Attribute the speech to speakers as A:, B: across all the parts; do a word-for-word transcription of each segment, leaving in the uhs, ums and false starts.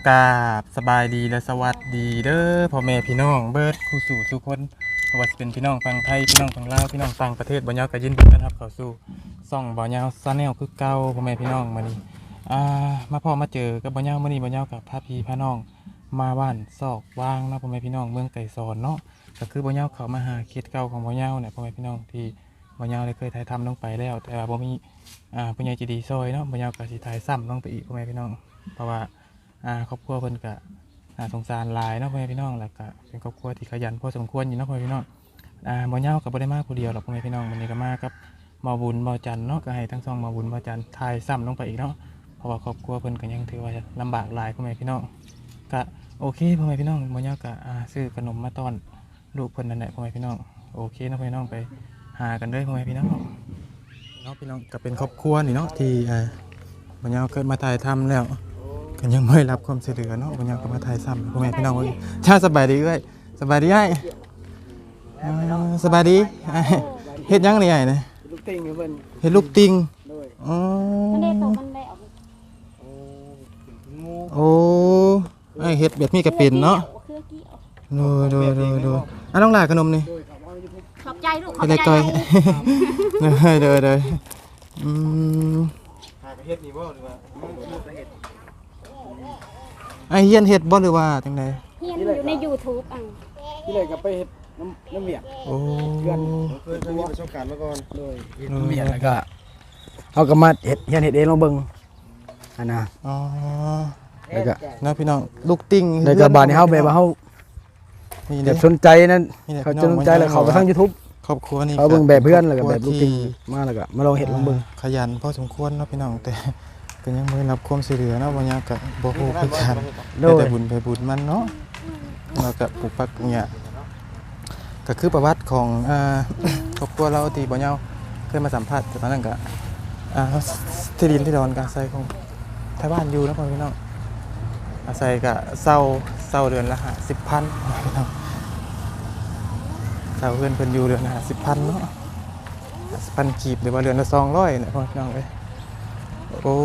A: กราบสบายดีและสวัสดีเด้อพ่อแม่พี่น้องเบิดคู่สู่ทุกคนว่าจะเป็นพี่น้องฝั่งไทยพี่น้องฝั่งลาวพี่น้องต่างประเทศบ่ยาวก็ยินดีต้อนรับเข้าสู่ช่องบ่ยาวชาแนลคือเก่าพ่อแม่พี่น้องมื้อนี้อ่ามาพ่อมาเจอกับบ่ยาวมื้อนี้บ่ยาวกับพาพี่พาน้องมาบ้านซอกวางเนาะพ่อแม่พี่น้องเมืองไก่สอนเนาะก็คือบ่ยาวเข้ามาหาเขตเก่าของบ่ยาวเนี่ยพ่อแม่พี่น้องที่บ่ยาวได้เคยถ่ายทำลงไปแล้วแต่ว่าบ่มีอ่าผู้ใหญ่ใจดีซอยเนาะบ่ยาวก็สิถ่ายซ้ำลงไปอีกพ่อแม่พี่น้องเพราะว่าอ่าครอบครัวเพิ่นก็อ่าสงสารหลายเนาะพ่อแม่พี่น้องแล้วก็เป็นครอบครัวที่ขยันพอสมควรอยู่เนาะพ่อแม่พี่น้องอ่าบ่ยาวก็บ่ได้มาผู้เดียวหรอกพ่อแม่พี่น้องวันนี้ก็มากับหมอบุญหมอจันเนาะก็ให้ทั้งสองหมอบุญหมอจันถ่ายซ้ำลงไปอีกเนาะเพราะว่าครอบครัวเพิ่นก็ยังถือว่าลำบากหลายพ่อแม่พี่น้องก็โอเคพ่อแม่พี่น้องบ่ยาวก็อ่าซื้อขนมมาต้อนลูกเพิ่นนั่นแหละพ่อแม่พี่น้องโอเคเนาะพ่อแม่พี่น้องไปหากันเด้อพ่อแม่พี่น้องเนาะพี่น้องก็เป็นครอบครัวนี่เนาะที่อ่าบ่ยาวเกิดมาถ่ายทำแล้วก็ยังไม่รับความช่วยเหลือเนาะบ่ยาวก็มาถ่ายซ้ำพ่อแม่พี่น้องเอ้ยชาสบายดีเอ้ยสบายดีอ้ายอ่าสบายดีอ้ายเฮ็ดหยังนี่อ้ายนะ
B: ลูกติงเพิ่น
A: เฮ็ดลูกติง
B: โดย
A: อ๋อ
C: มันได้ตกมันได้ออก
B: โอ้งู
A: โอ้ไอ้เฮ็ดแบบนี้ก็เป็นเนาะ
C: เครือเกี่ยว
A: โดยโดยโดยโดยอ่ะน้องหลาขนมนี่
B: โดยครับว่าอยู่
C: ขอบใจลูกขอ
A: เฮ็
C: บ
A: ดได้
C: ใจ
A: ก้อยโดยโดยโดยอืม
B: หากเฮ็ดนี่บ่หรือว่าลูกเฮ็ด
A: ไอ้เฮียนเฮ็ดบ่หรือว่าจังได๋
C: เฮียนอยู่ใน YouTube อ่ะ
B: ที่เลยก็ไปเฮ็ดน้ำน้ำเมียด
A: โอ้
B: เพื่อนเคยมีประสบการณ์มาก่อนโดย
D: เฮ็ดเมียแล้วก็เขาก็มาเฮ็ดเฮ็ดเฮ็ดเองลองเบิ่งอันน่ะ
A: อ๋อ
D: แล้วก็
A: นะพี่น้องลูกติง
D: แล้วก็บาดนี้เฮาแบบว่าเฮา
A: นี่
D: แบ
A: เด้
D: บสนใจนั้น
A: นี่แหละ
D: เขา
A: พี่
D: จะ
A: น้
D: สนใจแล้วเขาไปทาง YouTube
A: ครอบครัวนี่
D: เขาเบิ่งแบบเพื่อนแล้วก็
A: คร
D: แบ
A: อบ ครั
D: ลู
A: ว
D: กติง
A: ที่
D: มาแล้วก็มาลองเฮ็ดลองเบิ่ง
A: ขยันพอสมควรเนาะพี่น้องแต่ก็ยังบ่ได้รับความช่วยเหลือเนาะบ่ยากก็บ่ฮู้คือกัน
D: โด
A: ได้
D: ย
A: แต่บุญไปบุญมันเนาะเราก็ปลูกปักปลูกหญ้าก็คือประวัติของอ่า ครอบครัวเราที่บ่ยาวเคยมาสัมภาษณ์แต่ตอนนั้นก็อ่าที่ดินที่ดอนก็อาศัยของชาวบ้านอยู่เนาะพี่น้องอาศัยก็เช่าเช่าเดือนละห้าสิบพันพี่น้องเช่าเพิ่นเพิ่นอยู่เดือนละห้าสิบพันเนาะห้าสิบพันกีบหรือว่าเดือนละสองร้อยเนี่ยพี่น้องเอ้ยโอ้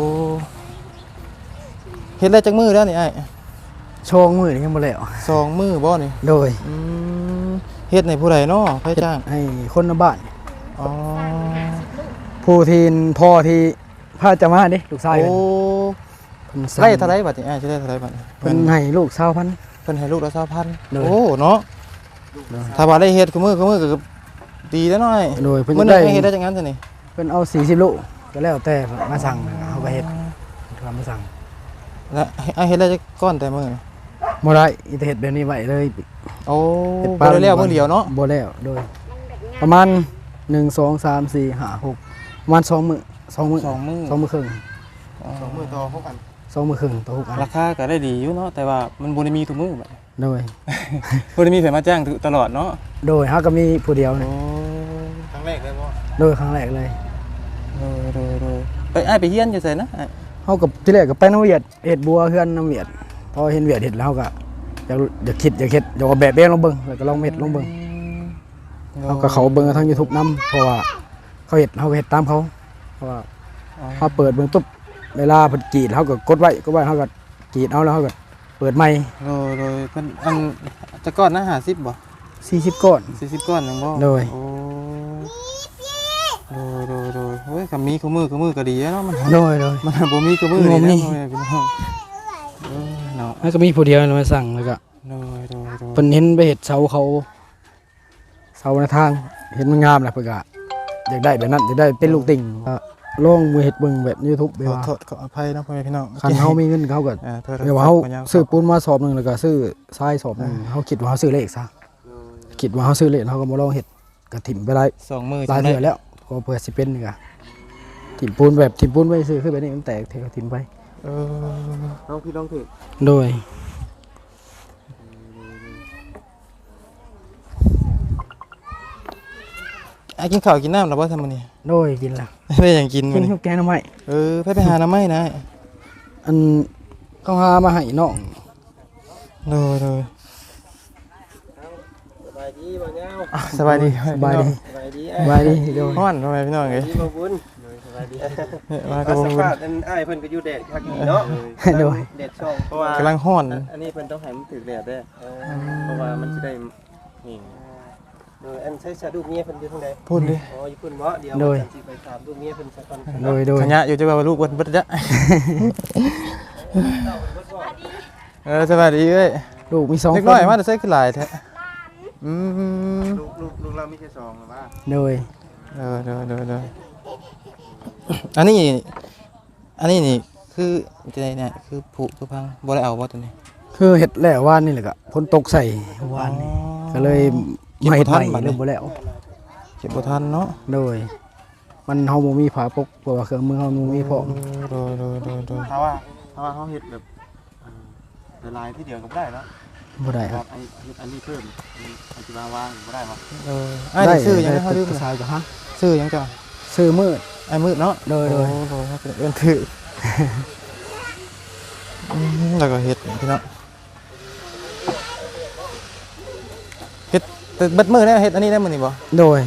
A: เฮ็ดได้จักมื้อแล้วนี่อ้าย
D: โชงมือนี่ยังบ่แล้ว
A: สองมื้อบ่นี่
D: โดย
A: อืมเฮ็ดในผู้ใดเนาะไผจ้าง
D: ให้คนในบ้าน
A: อ๋อ
D: ผู้ที่พ่อที่พาจะมาเด้ลูกชาย
A: โอ้
D: เพิ่นสั่ง
A: ไล่เท่าไรบัดนี่อ้ายสิได้เท่าไรบัดนี่
D: เพิ่นให้ลูกสาวพัน
A: เพิ่นให้ลูกละสองพัน
D: เลย
A: โอ้เนาะถ้าว่าได้เฮ็ดคือมื้อคือมื้อก็ดีแล้วหน่อย
D: โดยเพิ่น
A: มื้อ
D: จะ
A: นึ
D: ได้
A: งให้เฮ็ดได้จังงั้นซะนี่
D: เพิ่นเอาสี่สิบโลก็แล้วแต่มาสั่งเฮาก็เฮ็ดทำมาสั่ง
A: แล้วอ้ายเฮ็ดได้จักก้อนแต่มื้อ
D: บ่ได้อีแต่เฮ็ดแบบนี้ไว้เลย
A: โอ้
D: เฮ็ด
A: บ่ได้แล้วมื้อเดียวเนาะ
D: บ่แล้วโดย
C: มันแบบงาน
D: ประมาณหนึ่ง สอง สาม สี่ ห้า หกประมาณสองมื้อสองมื้อ
A: สองมื้อ
D: สองมื้อครึ่ง
B: สองมือต่อพวกกัน
D: สองมื้อครึ่งต่อหกอัน
A: ราคาก็ได้ดีอยู่เนาะแต่ว่ามันบ่ได้มีทุกมื้อบัด
D: โดย
A: บ่ได้มีไผมาจ้างตลอดเนาะ
D: โดยเฮาก็มีผู้เดียว
A: โอ้
D: นี่
B: ครั้งแรกเลยบ่
D: โดยครั้งแรกเลย
A: โดยโดยโดยไปอ้ายไปเฮียนอยู่ไสนะอ้าย
D: เฮาก็ที่แรกก็ไปน้ำเวียดเฮ็ดบัวเฮือนน้ำเวียดพอเห็นเวียดเฮ็ดแล้วเฮาก็อยากอยากคิดอยากเฮ็ดอยากเอาแบบเบ้ลองเบิ่งแล้วก็ลองเฮ็ดลองเบิ่งเฮาก็เขาเบิ่งทาง YouTube นำเพราะว่าเขาเฮ็ดเฮาก็เฮ็ดตามเขาเพราะว่า เฮาเปิดเบิ่งปุ๊บเวลาเพิ่นกรีดเฮาก็กดไว้กดไว้เฮาก็กรีดเอาแล้วเฮาก็เปิดใหม่
A: โดยโดยเพิ่นอันจะก้อนนะห้าสิบบ่
D: สี่สิบก้อน
A: สี่สิบก้อนหนึงบ่
D: โดย
A: โอ้โดยโดยโดยโอ้ยก็มีคู่มือคู่มือก็ดีเนาะมัน
D: โดยโดย
A: มันบ่มีคู่มือ
D: บ่มี
A: นี่นะพ่อแม่พี่น้องเออเนาะ
D: แล้วก็มีผู้เดียวมาสั่งแล้วก็
A: โดยโดยโดย
D: เพิ่นเห็นไปเฮ็ดเสาเขาเสาในทางเห็นมันงามแหละเพิ่นก็อยากได้แบบนั้นอยากได้เป็นลูกติ่งก็ลองมือเฮ็ดเบิ่งแบบ YouTube ไป
A: ขอ
D: ว่า
A: โทษขออภัยนะพ่อแม่พี่น้อง
D: คันเฮามีเงินเขาก็
A: อ่าโทษ
D: เดี๋ยวว่าเฮา
A: ขออนุญต
D: ซื้อปูนมาสอบหนึงแล้วก็ซื้อทรายสอบหนึงเฮาคิดว่าเฮาซื้อเลขซะคิดว่าเฮาซื้อเลขเฮาก็บ่ลองเฮ็ดก็ถิ่มไปได้
A: สองมือ
D: หลายเทื่อแล้วก็เพื่อสิเป็นนี่ก็ถิ่มปูนแบบถิ่มปูนไว้ซื้อคือแบบนี้มันแตกเทก็ถิ่มไป
A: เออ
B: น้องพี่น้องถือ
D: โดย
A: ไอ้กินข้าวกินน้ำแล้วบ่ทำมื้อนี้
D: โดยกินแล้ว
A: ได้หยังกิน
D: กิ
A: มื้อน นี้
D: ข้าวแกงหน่อไม้
A: เออไปไปหาน้ำไม้นะ
D: อันเขาหามาให้น้อง
A: โดยโดย
B: สบายดีบ่เงา
A: อ่ะสบายดี
D: สบายดี
B: สบายดี
D: สบายดีโดย
A: ฮ้อนพ่อแม่พี่น้องเอ้ย
B: ดีบ่บุญบายดี
A: มา
B: ก็
A: ก็บ่
B: สัม
A: รู้
B: ภาษณ์อันอ้ายเพิ่นก็อยู่แดดคักอีเนาะ
D: โดย
B: แดดช่องเพราะว่าก
A: ำลังฮ้อน
B: อันนี้เพิ่นต้องให้มันถึกแดดเด้อเพราะว่ามันสิได้นี่โดยอันใช้ชาดูเมียเพิ่นอยู่ทางใด
A: พูดดิ
B: อ๋ออยู่เพิ่นบ่เดี๋ยว
D: โดย
B: ฉันสิไปถามดูเมียเพิ่นสักก่อน
D: โดยโดย
A: ขยะอยู่จะว่าลูกเบิดเบิดจ้ะเออสวัสดีเอ้ย
D: ลูกมีสอง
A: เล็ก
D: ค
A: น้อย
D: น
A: มาแต่ใส่คือหลายแท้อืม
B: ลูกลูกลูกเรามีแค่สองหรือว่า
D: โดย
A: เออเดอเดอเดออันนี้อันนี้นี่คือจะไดเนี่ยคือผุคือพังบ่ได้เอาบ่ตัวนี้
D: คือเห็ดแล้วว่านนี่แหละก็ฝนตกใส่วานนี่ก็เลยมาเห็ดใหม่เริ่มบ่แล้ว
A: เก็บบ่ทันเนาะ
D: โดย มันเฮาบ่มีผาปกเพราะว่าเครื่องมือเฮาบ่มีพร้อม
A: โดยโดยโดยโดย
B: ถ้าว่าถ้าว่าเขาเฮ็ดแบบละลายที่เดียวก็บ่ได้เนาะ
D: บ่ได้
B: ค
D: ค
B: รั
D: รั
B: บบ ไอ้อันนี้เพิ่มอันที่วางวางบ่ได้บ่
A: เออไอ้ายนี่ซื้อหยัง
D: ได้
A: นะเขาลืม
D: ภาษาก็ฮะ
A: ซื้อหยังจ้ะ
D: ซื้อมืด
A: ไอ้มืดเนาะ
D: โดยโดย
A: โอ้โหครับเอิ้นถืออืมแล้วก็เฮ็ดพี่น้องเฮ็ดแต่เบิดมื้อแล้วเฮ็ดอันนี้ได้มื้อนี้บ่
D: โดย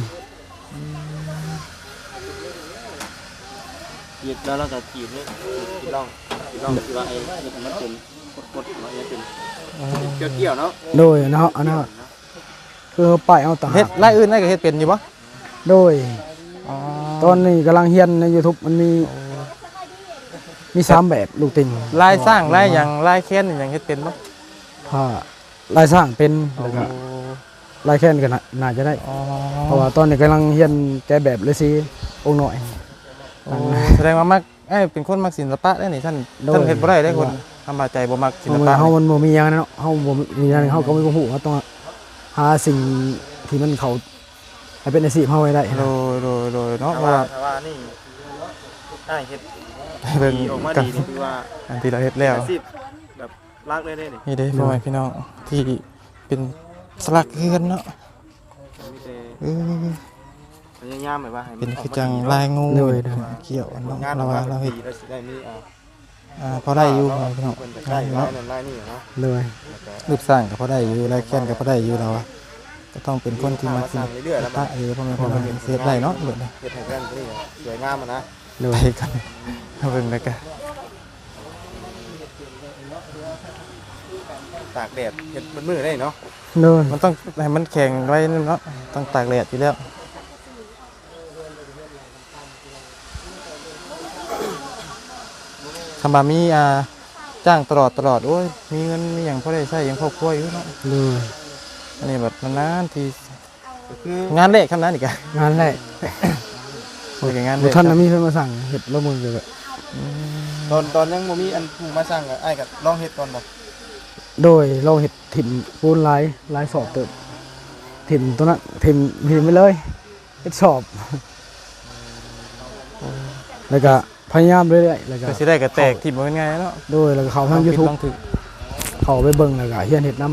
B: ขีดแล้วเราก็ขีดนี่ขีดร่องขีดร่องที่ว่าไอ้นี่มันเป็นกดๆว่าไอ้เป็นเกี่ยวๆเนาะ
D: โดยเนาะอันนั้นคือป้ายเอาต่างหา
A: เฮ็ด
D: ก
A: รายอื่นได้ก็เฮ็ดเป็นอยู่บ่
D: โดย
A: อ๋อ
D: ตอนนี้กำลังเฮียนใน YouTube มันมีมีสามแบบลูกติ่ง
A: ลายสร้างลายหยังลายแค้นนี่หยังเฮ็ดเป็นบ่
D: ผ้าลายสร้างเป็นแล้วก็ลายแค้นก็น่าน่าจะได้
A: อ๋อ
D: เพราะว่าตอนนี้กำลังเฮียนแกะแบบเลยสิองค์หน่อย
A: โอ้แสดงว่ามักเอ้ยเป็นคนมักศิลปะได้นี่ท่าน
D: โดย
A: ท่านเฮ็ดบ่ได้ได้คนทำมาใจบ่มักศิล
D: เฮา
A: ปะ
D: เฮามันบ่มีหยังนะเนาะเฮาบ่มีหยังเฮาก็ไม่บ่ฮู้เฮาต้องหาสิ่งที่มันเขาให้เป็นอาชีพเฮาไว้ได้
A: โดยโดยโดยเนาะ
B: ถ้า
A: ว่า
B: ว่าถ้าว่านี่อ้ายเฮ็ด
A: เบิ่ง
B: ดีออกมา
A: กัน
B: ดีนี่คือว่า
A: อันที่เราเฮ็ดแล้ว
B: อาชีพแบบรักเลยเด้นี่
A: นี่เด้พ่อแม่พี่น้องที่เป็นสลักเฮือนเนาะ
B: มีแต่
A: เออ
B: พยายามแบบว่าให้มั
A: เป็น
B: ออก
A: คือ
B: มา
A: จัง
B: ดี
A: ลายงู
D: โดยโดย
A: เกี่ยวเนาะ
B: งาน
A: เรา
B: ออก
A: ว่า
B: มา
A: เราเฮ็ด
B: ดีแล้วสิได้มีอ่า
A: อ่าพอได้อยู่พ่อแม่พี่น้อง
B: เพิ่นจะได้ลายนั่นลายนี่เนาะ
D: เลย
B: แล้วก็
A: รูปสร้างก็พอได้อยู่ลายแค้นก็พอได้อยู่เราอะก็ต้องเป็นคนที่มักศิ
B: ส
A: ล
B: ร้างเรื่อยๆแล้ว
A: ปะเออพ่อแม่พี่น้องเฮ็ดได้เนาะเบิดเลย
B: เฮ็ดให้กันนี่สวยงามอ่ะนะ
D: เล
A: ไป
D: ย
A: กันเอาเบิ่งแล้วกัน
B: ตากแดดเฮ็ดมันมือได้เนาะ
D: เลย
A: มันต้องให้มันแข็งไว้เนาะต้องตากแดดอยู่แล้วคำบามีอ่าจ้างตลอดตลอดโอ้ยมีเงินมีอย่างพอได้ใช้อย่างครอบครัวอยู่เนาะ
D: เลย
A: อันนี้แบบนานๆที
B: ก็คือง
A: านเล็กคำนั้นอีกอะ
D: งานแรก
A: โอ้ยงาน
D: บุ
A: เล็ก
D: ท่านน่ะมีเพิ่นมาสั่งเฮ็ดแล้วมึงก็
B: ตอนตอนยังบ่มีอันผู้มาสร้างก็อ้ายก็ลองเฮ็ดก่อนบ่
D: โดยเราเฮ็ดถิ่มปูนลายลายสอบเติบถิ่มตัวนั้นถิ่มถิ่มไปเลยเฮ็ดสอบแล้วก็พยายามเรื่อยๆแล้วก็
A: ก็สิได้ก็แตกที่บ่เป็นไงเนาะ
D: โดยแล้วก็เข้าทาง YouTube
A: ต้องถึก
D: เข้าไปเบิ่งแล้วก็เฮียนเฮ็ดนํ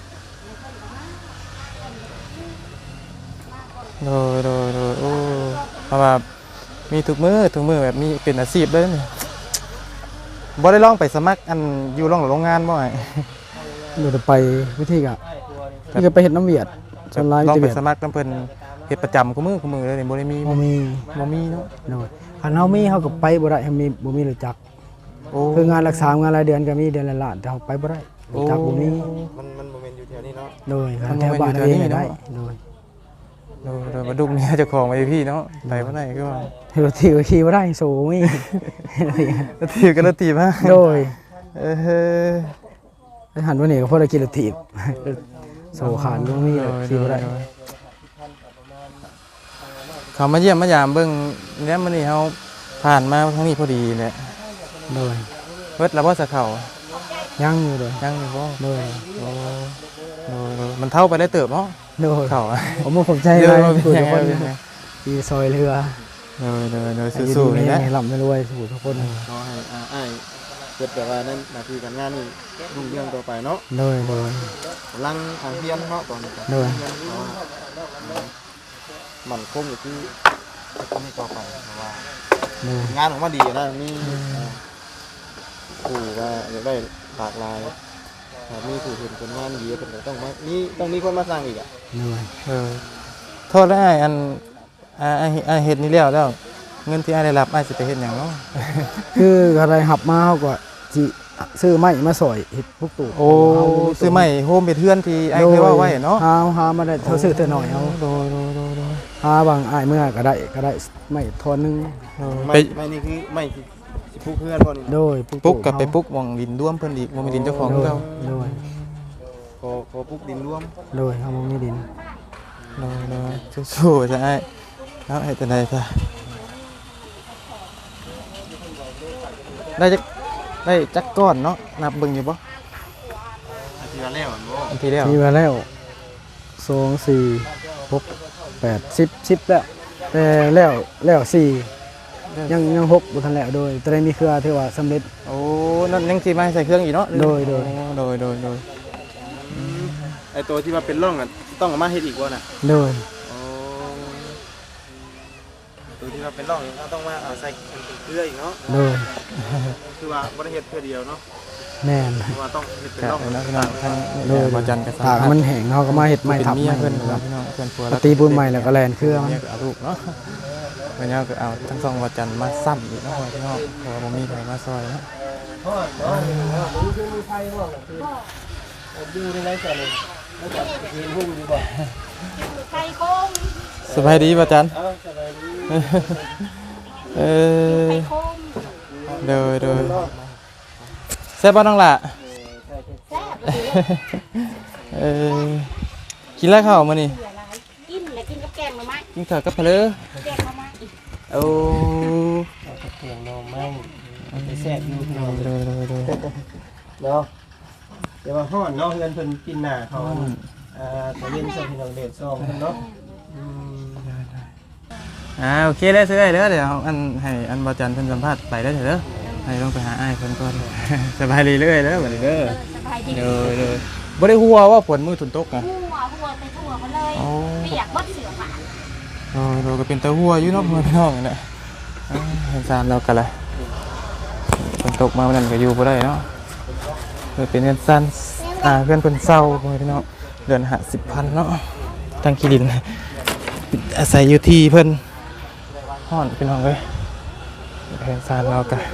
A: โดยโดยโดยโอ้เพราะว่ามีทุกมือทุกมือแบบมีเป็นอาชีพเลยนี่บ่ได้ลองไปสมัครอันอยู่โรงโรงงานบ่ไอ้
D: เดี๋ยวจะไปวิธีก็นี่ก็ไปเฮ็ดน้ำเวียดส่วนหลาย
A: ลอง
D: จะ
A: ไป
D: เวียด
A: สมัครนํเพิ่นเฮ็ดประจำกูมือกูมือเลยนี่บ่ได้มี
D: บ่มี
A: บ่มีเนาะ
D: โดยคันเฮามีเฮาก็ไปบ่ได้เฮามีบ่มีรู้จัก
A: โอ้
D: คืองานรักษางานรายเดือนก็มีเดือนละล้านแต่เฮาไปบ่ได้รู้จักบ่มี
B: มันมันบ่แม่นอยู่แถวนี้เนาะ
D: โดยคันแถวบ้านเองก็ได้โดย
A: โดยโดยมาดุกเนี่ยเจ้าของไว้พี่เนาะไปบ่ได้ก็ว่า
D: รถถีบก็ขี่บ่ได้โซมี
A: แล้วถีบกันแล้วถีบฮะ
D: โดย
A: เออ
D: ไปหันวันนี้ก็พอได้กินรถถีบโซขาดบ่มีเลยขี่บ่ได้
A: เขามาเยี่ยมมายามเบิ่งแล้วมื้อนี้เฮาผ่านมาทางนี้พอดีแหละ
D: โดย
A: เบิดแล้วบ่สะเข้า
D: ยังอยู่เลย
A: ยังอยู่บ่
D: โดย
A: โอ้โดยโดยมันเท่าไปได้เติบเนาะ
D: โดย
A: เข้าอะ
D: ผมบ่ผมใจ
A: เดี๋ยว
D: เลย
A: มันเป็น
D: คุย
A: ยั
D: ทุ
A: ง
D: ก
A: ไง
D: คน
A: เป็นยังไง
D: ที่ซอยเรือ
A: โดยโดยโดย
D: ให้อยู่
A: สู้ๆ
D: ดี
A: นี่
D: มี
A: นะ
D: ให้ร่ำให้รวยสู่ทุกคน
B: ขอให้อ่าอ้ายเฮ็ดแบบว่านั้นหน้าที่การงานนี่รุ่งเรืองต่อไปเนาะ
D: โดยโดย
B: กำลังทางเรียนเนาะตอนนี้ก็
D: โดย
B: เรียนเพราะว่ามันคงอยู่ที่นี่ต่อไปเพราะว่า
D: โดย
B: งานออกมาดีนะมีผู้ว่าอยากได้หลากหลายถ้ามีผู้เห็นผลงานดีเพิ่นก็ต้องมามีต้องมีคนมาสร้างอีกอ่ะ
D: โดย
A: เออโทษได้อันอ่าไอ้ไอ้เฮ็ดนี่แล้วแล้วเงินที่อ้ายได้รับอ้ายสิไปเฮ็ดหยังเนาะ
D: คืออะไรหับมาเฮาก็สิซื้อไม้มาสอยเฮ็ดพวกตู้
A: โอ้ซื้อใหม่โฮมเฮ็ดเฮือนที่อ้ายเคยเว้าไว้เนาะ
D: หาหามาได้เท่าซื้อเท่าน้อยเอา
A: โดยโดยโดยโดย
D: หาบางอ้ายเมื่อก็ได้ก็ได้ไม้ทอนหนึง
A: โดย
B: ไม่
A: ไป
B: ไม่นี่คือไม่สิสิพูเพื่อนบ่นี่
D: โดย
A: ปุ๊กกับไปปุ๊กหม่องดินร่วมเพิ่นอีกบ่มีดินเจ้าของ
D: โดย
A: เก่า
D: โดย
B: ขอขอปุ๊กดินร่วม
D: โดยเฮาบ่มีดิน
A: โดยโดยสู้ๆซะอ้ายเนาะเฮ็ดจังได๋ซะได้จักได้จักก้อนเนาะนับเบิ่งอยู่บ่
B: อาทิตย์ละแล้วบ่
A: อันที่แล้ว
D: มีมาแล้วสอง สี่ หก แปด สิบ สิบแล้วแต่แล้วแล้วสี่ยังยังหกบ่ทันแล้วโดยแต่ได้มีเครือที่ว่าสำเร็จ
A: โอ้นั่นยังสิมาใส่เครื่องอีกเนาะ
D: โดยโดย
A: โอ้โดยโดยโดย
B: ไอตัวที่ว่าเป็นร่องอ่ะต้องเอามาเฮ็ดอีกบ่น่ะ
D: โดย
B: โอ้ตัวที่ว่าเป็นร่องนี่เราต้องมาเอาใส่เป็นเกลืออีกเนาะ
D: โดย
B: คือว่าบ่ได้เฮ็ดเพื่อเดียวเนาะ
D: แม่น
B: คือว่าต้องเฮ็ดเป็น
A: ครั
B: ร่
A: บ
B: อง
A: เนาะพี่น้องท่าน
D: โดย
A: บ่จันทร์ก็สา
D: ถาก
A: มารถ
D: มันแห้งเฮาก็มาเฮ็ดไม้
A: เป็น
D: ทับ
A: เมีย
D: ไม้
A: เพิ่น
D: ค
A: ค
D: รั
A: รับบ พี่น้องเพิ่นผัว
D: ปฏิบุญใหม่แล้วก็แลนเครือมัน
A: เมียก็เอาลูกเนาะเพิ่นก็เอาทั้งสองบ่จันทร์มาซ้ำอีกเนาะพี่น้องเพราะว่าบ่มีใครมาซอยเนาะ
B: อยู่ในไรใส่เลยแล้วก็กินหุ้มอยู่บ่
C: ไก่โค้ง
A: สบายดีบ่จันทร์
B: เอ้าสบายดี
A: เออ
C: ไก่โค้ง
A: เด้อเด้อแซ่บบ่น้องล่ะ
C: แซ่บเลย
A: เออกินแล้วข้าวมื้อนี้
C: เหลืออะไรกินแล้วกินกับแกงหน่อไม้
A: กินข้าวกับเพลอ
C: แกงหน่อไม้
A: โอ้
B: เสียงนมไม่ไปแซ่บอยู่
A: เด้อเด้อเด้อเด้อ
B: เนาะเดี๋ยวว่าฮ้อนเนาะเงินเพิ่นกินหน้าเขาอ่าตะเวนส่งพี่น้องเดชส่งเพิ่นเนาะอืม
A: อ่าโอเคได้ซื้อได้เด้อเดี๋ยวอันให้อันบ่จันทร์เพิ่นสัมภาษณ์ไปได้เถอะเด้อให้ลงไปหาอ้ายเพิ่นก่อน สบายดีเรื่อยเด้อบัดนี้เด้อ
C: สบายดี
A: เด้อเด้อบ่ได้ฮู้ว่าฝนมื้อฝนตกอ่ะ
C: หัวหัวไปทั่วเขาเลย
A: อ๋อ
C: เปียกบดเสือผ่า
A: เออเราก็เป็นตาหัวอยู่เนาะพ่อพี่น้องนี่แหละอ่าเห็นซานเรากันเลยฝนตกมาวันนั้นก็อยู่บ่ได้เนาะเออเป็นเงินสั้นอ่าเพื่อนเพิ่นเศร้าพ่อพี่น้องเดือนห้าสิบพันเนาะทางคีดินอาศัยอยู่ที่เพิ่นฮ้อนพี่น้องเอ้ยเห็นซานเรากัน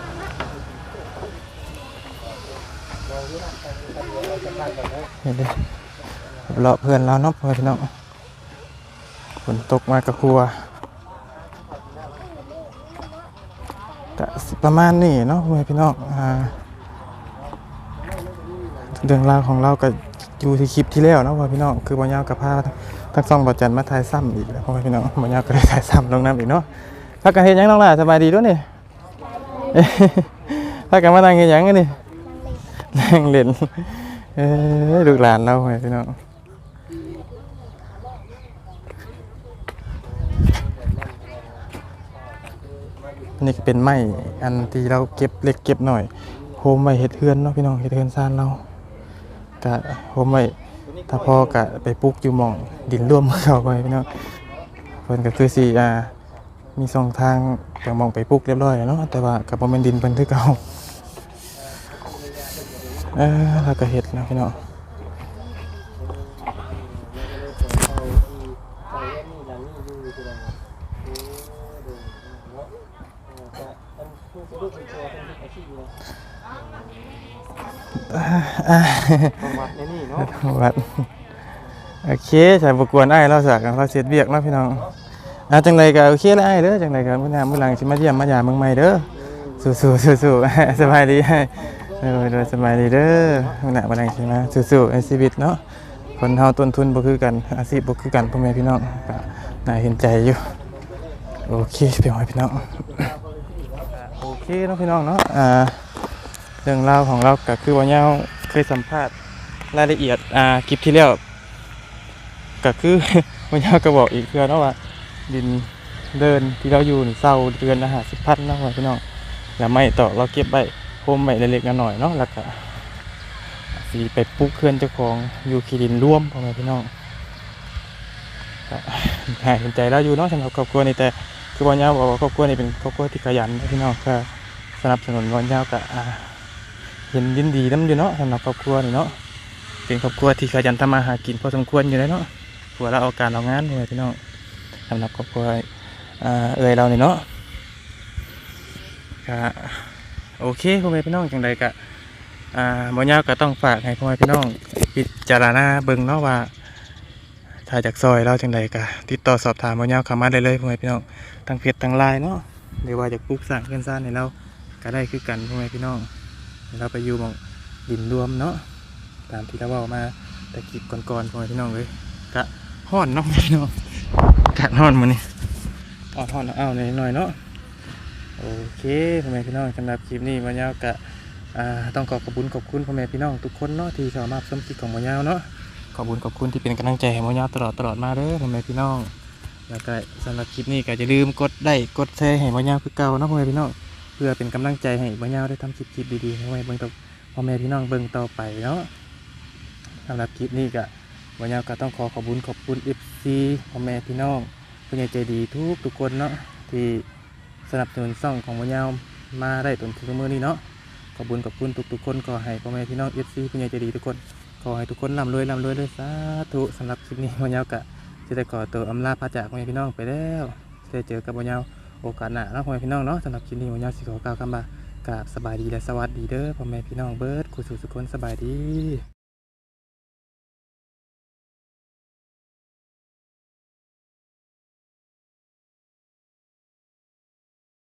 A: เห็นดิเลาะเพื่อนเราเนาะพ่อพี่น้องฝนตกมากับครัวก็สิประมาณนี้เนาะพ่อพี่น้องอ่าเรื่องราวของเราก็อยู่ที่คลิปที่แล้วเนาะพ่อพี่น้องคือบ่ยาวกับพาทั้งสองบ่จันมาถ่ายซ้ำอีกแล้วพ่อพี่น้องบ่ยาวก็ได้ถ่ายซ้ำลงน้ำอีกเนาะพักกันเฮ็ดหยังน้องล่ะสบายดีด้วยนี่เอ้ยพักกันมานั่งเฮ็ดหยังกันนี่นั่งเล่นเอ้ยลูกหลานเราพ่อพี่น้องนี่ก็เป็นไม้อันที่เราเก็บเล็กเก็บหน่อยโฮมไว้เฮ็ดเฮือนเนาะพี่น้องเฮ็ดเฮือนซ่านเราก็โฮมไว้ถ้าพอก็ไปปลูกอยู่หม่องดินร่วมเข้าไปพี่น้องเพิ่นก็คือสิอ่ามีสองทางจากหม่องไปปลูกเรียบร้อยแล้วเนาะแต่ว่าก็บ่แม่นดินเพิ่นคือเก่าเออแล้วก็เฮ็ดเนาะพี่น้องอ่า
B: ประวัติในนี่เนาะ
A: วัดโอเคใส่บกวนไอ้ายเราสักเราเสียดเบียกเนาะพี่น้องอ่ะจังไรก็โอเคแล้วไอ้ายเด้อจังไรก็มื้อหน้ามื้อหลังสิมาเยี่ยมมาหยามเมืองใหม่เด้อสู้ๆสู้ๆ สบายดีให้เออเด้อสบายดีเด้อมื้อหน้ามื้อหลังสิมาสู้ๆในชีวิตเนาะคนเฮาต้นทุนบ่คือกันอาชีพบ่คือกันพ่อแม่พี่น้องก็น่าเห็นใจอยู่โอเคพี่น้องพี่น้องโอเคเนาะพี่น้องเนาะอ่าเรื่องราวของเราก็คือว่าเฮาเคยสัมภาษณ์รายละเอียดอ่าคลิปที่แล้วก็คือ วันนี้ก็บอกอีกเพื่อนเนาะว่าดินเดินที่เราอยู่นี่เศร้าเดือนละห้าสิบพันเนาะพี่น้องแล้วไม่ต่อเราเก็บไว้โฮมไว้เล็กๆน้อยๆเนาะแล้วก็สีไปปลูกเคลื่อนเจ้าของอยู่คีดินร่วมพ่อแม่พี่น้องก็หายเห็นใจเราอยู่เนาะสำหรับครอบครัวนี่แต่คือวันนี้บอกว่าครอบครัวนี่เป็นครอบครัวที่ขยันนะพี่น้องก็สนับสนุนวันนี้ก็อ่าเห็นยินดีน้ำอยู่เนาะสำหรับครอบครัวนี่เนาะเป็นครอบครัวที่ขยันทำมาหากินพอสมควรอยู่แล้วเนาะผัวเราเอาการเอางานเลยพี่น้องสำหรับครอบครัวอ่าเอ่ยเราเนี่ยเนาะก็โอเคพ่อแม่พี่น้องจังใดก็อ่าบ่ยาวก็ต้องฝากให้พ่อแม่พี่น้องพิจารณาเบิ่งเนาะว่าถ้าจากซอยเราจังใดก็ติดต่อสอบถามบ่ยาวเข้ามาได้เลยพ่อแม่พี่น้องทางเพจทาง ไลน์ เนาะหรือว่าอยากปลูกสร้างเรือนซ่านให้เราก็ได้คือกันพ่อแม่พี่น้องให้เราไปอยู่หม้องดินรวมเนาะตามที่เราเว้ามาแต่คลิปก่อนๆพ่อแม่พี่น้องเลยก็ฮ้อนเนาะพ่อแม่พี่น้องอากาศฮ้อนมื้อนี้อ้อนฮ้อนอ้าวหน่อยๆเนาะโอเคพ่อแม่พี่น้องสำหรับคลิปนี้บ่ยาวก็อ่าต้องขอขอบคุณขอบคุณพ่อแม่พี่น้องทุกคนเนาะที่สามารถชมคลิปของบ่ยาวเนาะขอบคุณขอบคุณที่เป็นกำลังใจให้บ่ยาวตลอดตลอดมาเด้อพ่อแม่พี่น้องแล้วก็สำหรับคลิปนี้ก็อย่าลืมกดไลค์กดแชร์ให้บ่ยาวคือเก่าเนาะพ่อแม่พี่น้องเพื่อเป็นกำลังใจให้บ่ยาวได้ทำคลิปคลิปดีๆให้ไว้เบิ่งต่อพ่อแม่พี่น้องเบิ่งต่อไปเนาะสำหรับคลิปนี้ก็บ่ยาวก็ต้องขอขอบคุณขอบคุณ เอฟ ซี พ่อแม่พี่น้องผู้ใหญ่ใจดีทุกทุกคนเนาะที่สนับสนุนช่องของบ่ยาวมาได้จนถึงมื้อนี้เนาะขอบคุณขอบคุณทุกๆคนขอให้พ่อแม่พี่น้อง เอฟ ซี ผู้ใหญ่ใจดีทุกคนขอให้ทุกคนร่ำรวยร่ำรวยเลยสาธุสำหรับคลิปนี้บ่ยาวก็จะได้ขอตัวอำลาพระจากพ่อแม่พี่น้องไปแล้วจะได้เจอกับบ่ยาวโอกาสหน้าเนาะพ่อแม่พี่น้องเนาะสำหรับคลิปนี้บ่ยาวสิขอกล่าวคำว่ากราบสบายดีและสวัสดีเด้อพ่อแม่พี่น้องเบิดคู่สู่สุขคนสบายดี